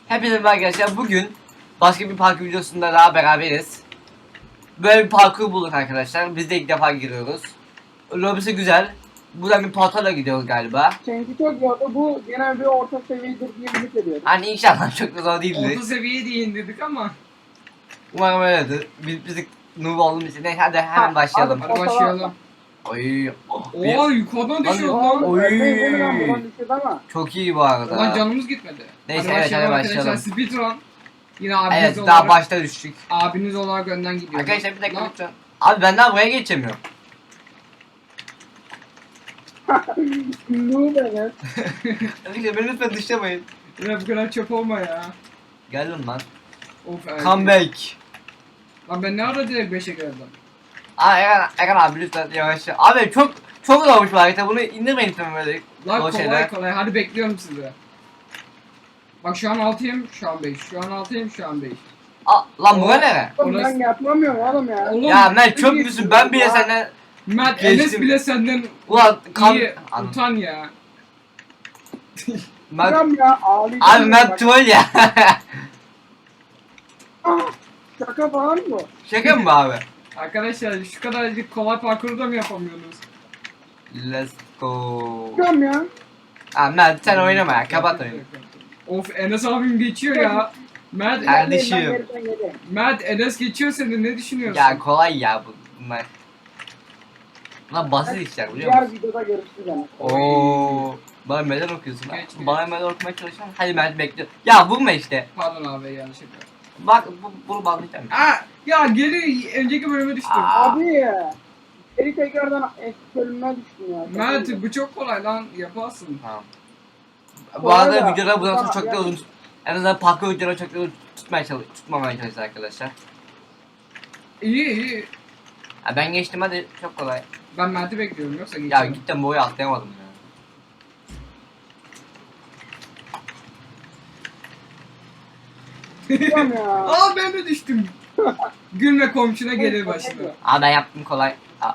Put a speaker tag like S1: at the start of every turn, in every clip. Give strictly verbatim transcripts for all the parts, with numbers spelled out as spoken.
S1: Hepinize merhaba arkadaşlar. Bugün başka bir parkur videosunda daha beraberiz. Böyle bir parkur bulduk arkadaşlar. Biz de ilk defa giriyoruz. Lobisi güzel. Buradan bir portala gidiyoruz galiba.
S2: Çünkü çok zordu. Bu genel bir orta seviyedir diye ümit ediyorum.
S1: Hani inşallah çok da zor değildir.
S3: Orta seviyeye değin dedik ama.
S1: Umarım öyledir. Biz, biz noob olduğumuz için. Neyse hadi hemen başlayalım.
S3: Hadi başlayalım.
S1: Oy. Oh, bir-
S3: Oo yukarıdan düşüyor
S1: Lan-
S3: lan.
S1: Oy.
S2: Buradan düşürdü ama.
S1: Çok iyi bu arada.
S3: Ulan canımız gitmedi.
S1: Neyse,
S3: hadi
S1: evet,
S3: başlayalım
S1: hadi
S3: arkadaşlar.
S1: başlayalım.
S3: Speedrun. Yine abiniz
S1: Evet
S3: olarak.
S1: daha başta düştük.
S3: Abiniz olarak önden gidiyor.
S1: Arkadaşlar bir dakika
S3: Lan,
S1: lütfen. Abi ben daha buraya geçemiyorum.
S2: Noob evet.
S1: Arkadaşlar beni lütfen dışlamayın.
S3: yine bu kadar çöp olma ya.
S1: Geldim lan.
S3: Of evet.
S1: Come back.
S3: Lan ben ne ara direkt beşe geldim.
S1: Aa Eren, Eren abi lütfen yavaş. Abi çok çok zormuş bu harita. Bunu indirmeyin lütfen böyle.
S3: Lan
S1: o
S3: kolay
S1: şeyler.
S3: kolay. Hadi bekliyorum sizi. Bak şu an altıyım, şu an beş. Şu an altıyım, şu an beş.
S1: Aa, lan bu ne?
S2: Oğlum
S3: Orası-
S2: ben yapamıyorum oğlum ya.
S3: Oğlum,
S1: Ya Mert çöp
S2: iyi
S1: müsün? Ben bile
S2: ya.
S1: senden
S3: Mert
S1: Geçtim.
S3: Enes bile senden
S1: ulan kan
S3: iyi.
S1: Anladım.
S3: Utan ya.
S1: Mert
S2: Tamam ya ağlayacağım.
S1: abi
S2: ya,
S1: Mert
S2: bak.
S1: troll ya.
S2: Ah, şaka falan bu.
S1: Şaka mı bu abi?
S3: Arkadaşlar şu kadarcık kolay parkuru da mı yapamıyorsunuz?
S1: Let's go.
S2: Tamam ya.
S1: Aa Mert sen oynama ya. Kapat oyunu.
S3: Of Enes abim geçiyor ya. Mert,
S1: Kardeşim.
S2: Ben geriden geleyim.
S3: Mert Enes geçiyor seni ne düşünüyorsun?
S1: Ya kolay ya bu bunlar. Bunlar basit işler biliyor
S2: Diğer
S1: musun?
S2: videoda görüşürüz yani.
S1: Oo. Bana meden okuyorsun ha.
S3: Geç, geç.
S1: Bana meden okumaya çalışan. Hadi Mert bekliyor. Ya vurma işte.
S3: Pardon abi yanlış yapıyorum.
S1: Bak bu, bunu bağlayacağım.
S3: Aa ya geri önceki bölüme düştüm.
S1: Aa.
S2: Abi ya. Geri tekrardan eski bölümüne düştüm ya.
S3: Mert bu çok kolay lan yaparsın.
S1: Tamam. Bu
S2: Bu
S1: arada
S2: arada-
S1: videolar bundan sonra
S2: Tamam,
S1: çok da
S2: yani-
S1: uzun tut- en azından parkur videoları çok da uzun tutmaya çalış tutmamaya çalışacağız arkadaşlar.
S3: İyi iyi.
S1: Ha, ben geçtim hadi çok kolay.
S3: Ben Mert'i bekliyorum yoksa
S1: Ya
S3: geçeceğim.
S1: gittim boyu atlayamadım ya.
S2: Tamam ya.
S3: Aa ben de düştüm. Gülme komşuna gelir başına.
S1: Aa ben yaptım kolay. Aa,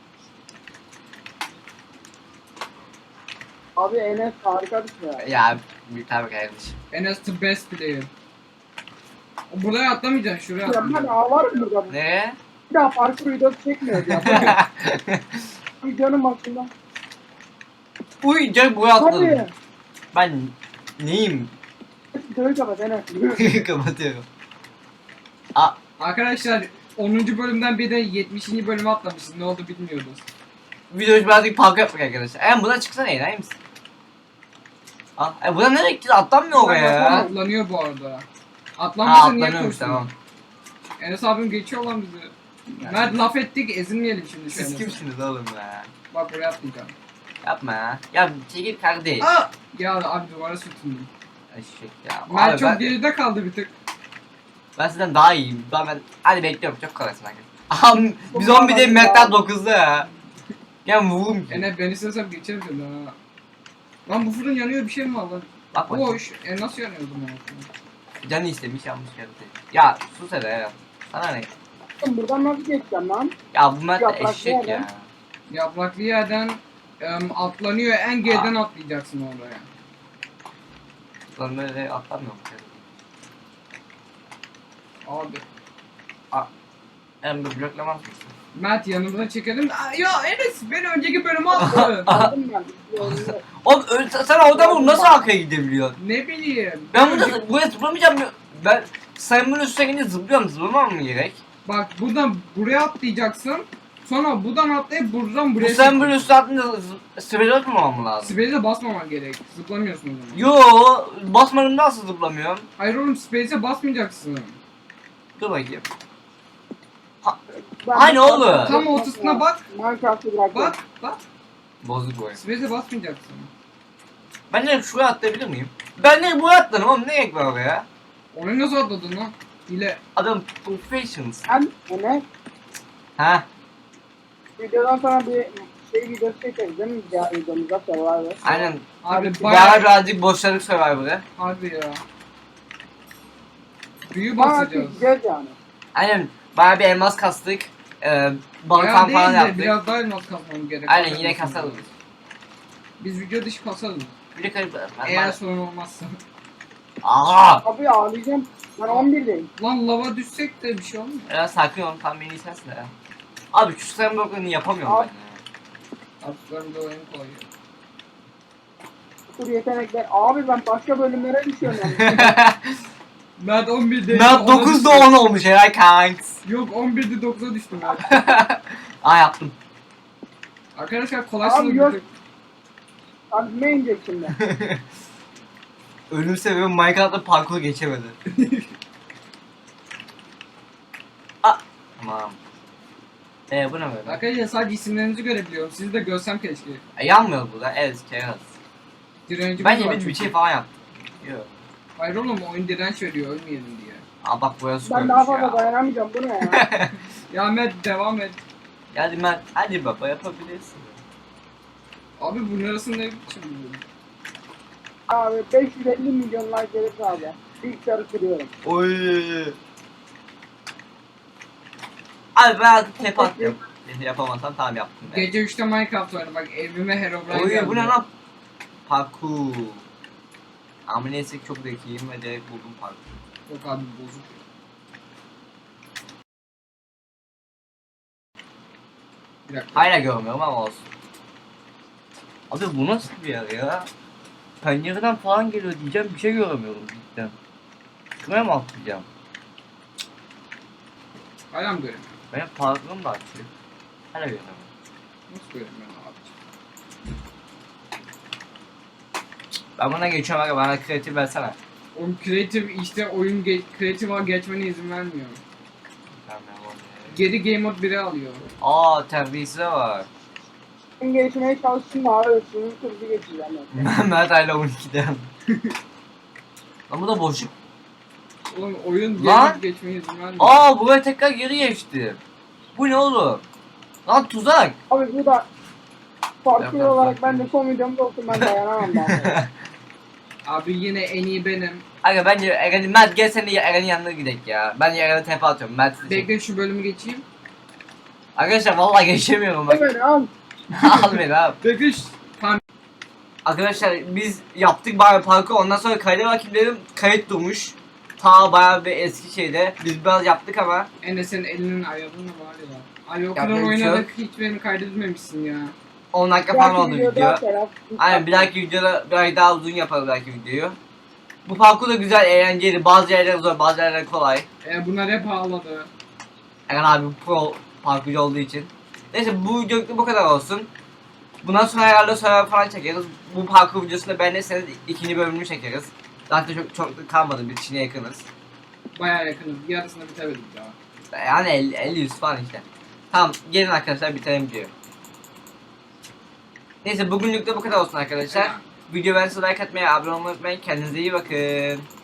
S2: Abi Enes harika bir şey ya.
S1: ya bir tabi kardeşim.
S3: Enes the best player. Buraya atlamayacaksın şuraya
S2: Ya ben
S3: atlayacaksın.
S2: ağlarım burada.
S1: Ne?
S2: Bir daha parkur videosu çekmiyoruz ya. Videonun başında.
S1: Uy canım boyu atladım.
S2: Hadi.
S1: Ben neyim?
S2: Videoyu kapat Enes.
S1: Kapatıyorum. Aa
S3: Arkadaşlar onuncu bölümden bir de yetmişinci bölüme atlamışız. Ne oldu bilmiyoruz.
S1: videoyu birazcık parkur yapmak arkadaşlar. Em buna çıksana eğlenir misin? Aa e, buna nereye gitti? Atlanmıyor oraya ya.
S3: Atlanıyor bu arada.
S1: Ha
S3: Atlanmasa niye
S1: atlanıyormuş
S3: koştun?
S1: tamam.
S3: Enes abim geçiyor lan bizi. Mert laf ettik ezilmeyelim şimdi şu
S1: Siz
S3: Enes'e.
S1: kimsiniz oğlum ya?
S3: Bak buraya atlayacağım.
S1: Yapma ya. Ya çekil kardeş.
S3: Aa! Ya abi duvara sürtündüm.
S1: Eşek ya.
S3: Mert
S1: Abi
S3: çok
S1: ben,
S3: geride kaldı bir tık.
S1: ben sizden daha iyiyim. Ben, ben hadi bekliyorum çok kolaysın arkadaşlar. Aha biz
S2: Çok
S1: on bir de
S2: kolay
S1: Mert'ten
S2: ya.
S1: dokuzda ya. Ya vururum ki.
S3: Enes ben istesem geçerim seni ha. Lan bu fırın yanıyor bir şey mi var lan?
S1: Bak bak.
S3: Boş. E nasıl yanıyor o zaman?
S1: Canı istemiş yanlış geldi. Ya sus hele ya. Sana ne?
S2: Oğlum buradan nasıl geçeceğim lan?
S1: Ya bu Mert de
S2: Yapraklı
S1: eşek ya.
S2: yerden.
S3: Yapraklı yerden em, atlanıyor. En geriden atlayacaksın oraya.
S1: Lan böyle atlamıyor mu?
S3: Abi.
S1: Hem bir bloklamaz mısın?
S3: Mert yanımıza çekelim. Aa, ya Enes beni önceki bölüme attı.
S2: Aldım ben. Videoyu.
S1: Oğlum ö- sen orada bunu nasıl arkaya gidebiliyorsun?
S3: ne bileyim.
S1: Ben
S3: Önceki-
S1: burada buraya zıplamayacağım. Ben sayımın üstüne gidince zıplıyorum. Zıplamam mı gerek?
S3: Bak buradan buraya atlayacaksın. Sonra buradan atlayıp buradan
S1: Bu
S3: buraya
S1: sayımın
S3: çekeceksin.
S1: üstüne atınca sivri atmamam mı lazım?
S3: Space'e basmaman gerek. Zıplamıyorsun o zaman.
S1: Yo basmadım nasıl zıplamıyorum?
S3: Hayır oğlum Space'e basmayacaksın.
S1: Dur bakayım.
S2: Ben
S1: Aynı
S2: de-
S1: oğlum.
S3: Tam ortasına bak.
S2: Minecraft'ı bıraktım.
S3: Bak bak.
S1: Bozuk bu oyun.
S3: Space'e basmayacaksın.
S1: Ben de şuraya atlayabilir miyim? Ben de buraya atlarım oğlum ne gerek var oraya?
S3: Oraya nasıl atladın lan? Hile.
S1: Adam professionals.
S2: Ben Enes
S1: Ha
S2: videodan sonra bir şey videosu çekeriz değil mi? Diğer videomuzda Survivor.
S1: aynen.
S3: Abi
S1: Bayağı
S3: bayağı
S1: birazcık boşladık Survivor'ı.
S3: harbi ya. Büyü
S2: Bayağı
S3: basacağız.
S2: çekeceğiz yani.
S1: Aynen bayağı bir elmas kastık. Ee, balık
S3: Bayağı
S1: falan
S3: değil de
S1: yaptık.
S3: biraz daha elmas kasmamız gerek.
S1: Aynen
S3: Haberin
S1: yine
S3: olsun.
S1: kasarız.
S3: Biz video dışı kasarız.
S1: Bir de kayıp.
S3: Eğer sorun olmazsa.
S1: Aa!
S2: Abi ağlayacağım. Ben on birdeyim.
S3: Lan lava düşsek de bir şey olmuyor.
S1: Ya sakin ol, tam beni sensin ya. Abi şu slime blocklarını yapamıyorum
S2: Abi.
S1: ben ya.
S3: Atlarım da oyun koyuyor.
S2: Kur yetenekler. Abi ben başka bölümlere düşüyorum yani.
S3: Mert on birde
S1: Ben dokuzda on olmuş herhalde kanks.
S3: Yok on birde dokuza düştüm ben.
S1: Aa yaptım.
S3: Arkadaşlar kolay
S2: Abi
S3: sınıf
S2: yok.
S3: bitir.
S2: Kalbime inecek şimdi.
S1: Ölüm sebebi Minecraft'ta parkur geçemedi. Aa, tamam. Eee bu ne böyle?
S3: Arkadaşlar sadece isimlerinizi görebiliyorum. Sizi de görsem keşke.
S1: E, yanmıyor burada. Evet, keraz.
S3: Direnci
S1: Bence
S3: var
S1: bir, bir
S3: çünkü.
S1: şey falan yaptım. Yok.
S3: Hayır oğlum oyun direnç veriyor ölmeyelim diye.
S1: Aa bak burası
S2: Ben
S1: koymuş
S2: daha fazla
S1: ya.
S2: dayanamayacağım. Bu ne ya?
S3: Ya Mert devam et.
S1: Hadi ben, hadi baba yapabilirsin.
S3: Abi bu nerasında ne biçim bu?
S2: Abi beş yüz elli milyon like gelirse abi. Bilgisayarı kırıyorum.
S1: Oy. Abi ben artık tep attım. Yapamazsan tamam yaptım. Ben.
S3: Gece üçte Minecraft oynadı bak evime Herobrine
S1: Oy
S3: geldi.
S1: bu ne lan? Parkur. Ama neyse ki çok zekiyim ve direkt buldum parkur.
S3: Yok abi bozuk. Bir dakika.
S1: Hala görmüyorum ama olsun. Abi bu nasıl bir yer ya? Pencereden falan geliyor diyeceğim, bir şey göremiyorum cidden. Şuraya mı atlayacağım?
S3: Hala mı göremiyorum?
S1: Benim parkurum da açıyor. Hala göremiyorum.
S3: Nasıl göremiyorum abiciğim?
S1: Ben buna geçiyorum aga, bana kreatif versene.
S3: Oğlum creative işte oyun ge creative'a geçmene izin vermiyor.
S1: Tamam, ben onu-
S3: Geri game mode bire alıyor.
S1: Aa terbiyesize var.
S2: Ben geçmeye çalıştım da abi. Sınır kırdı geçeceğim. ben.
S1: Mert hala on ikiden. Lan bu da boşluk.
S3: Oğlum oyun game
S1: Lan!
S3: mode geçmeye izin vermiyor.
S1: Aa buraya tekrar geri geçti. Bu ne oğlum? Lan tuzak.
S2: Abi bu da parkur
S1: Yok, yok,
S2: olarak
S1: yok.
S2: ben de son videomda olsun ben dayanamam daha.
S3: Abi yine en iyi benim.
S1: Aga bence Eren'in, Mert gel sen de Eren'in yanına gidelim ya. Ben Eren'e tepe atıyorum. Mert sizi çek.
S3: Bekle şu bölümü geçeyim.
S1: Arkadaşlar vallahi geçemiyorum bak.
S2: Hemen al.
S1: Al beni abi.
S3: Bekle şu... Tamam.
S1: Arkadaşlar biz yaptık bayağı parkur, ondan sonra kayda rakiplerim kayıt durmuş. Ta bayağı bir eski şeyde. Biz biraz yaptık ama.
S3: Enes'in elinin ayarını var ya. Abi o kadar
S1: Yapacak bir şey
S3: oynadık hiç beni kaydetmemişsin ya.
S1: on dakika
S2: Bir
S1: falan
S2: dahaki
S1: oldu
S2: videoda
S1: video.
S2: Serap,
S1: Aynen bir dahaki videoda biraz daha uzun yaparız belki videoyu. Bu parkur da güzel, eğlenceli. Bazı yerler zor, bazı yerler kolay.
S3: E, bunlar hep ağladı.
S1: Eren abi pro parkurcu olduğu için. Neyse bu videoluk bu kadar olsun. Bundan sonra herhalde sonra falan çekeriz. Bu parkur videosunda beğenirseniz ikinci bölümünü çekeriz. Zaten çok çok da kalmadı, bitişine yakınız.
S3: Bayağı yakınız. Yarısını bitemedik daha.
S1: Yani elli elli yüz falan işte. Tamam gelin arkadaşlar bitirelim diyor. Neyse bugünlük de bu kadar olsun arkadaşlar. Video beğenirse like atmayı, abone olmayı unutmayın. Kendinize iyi bakın.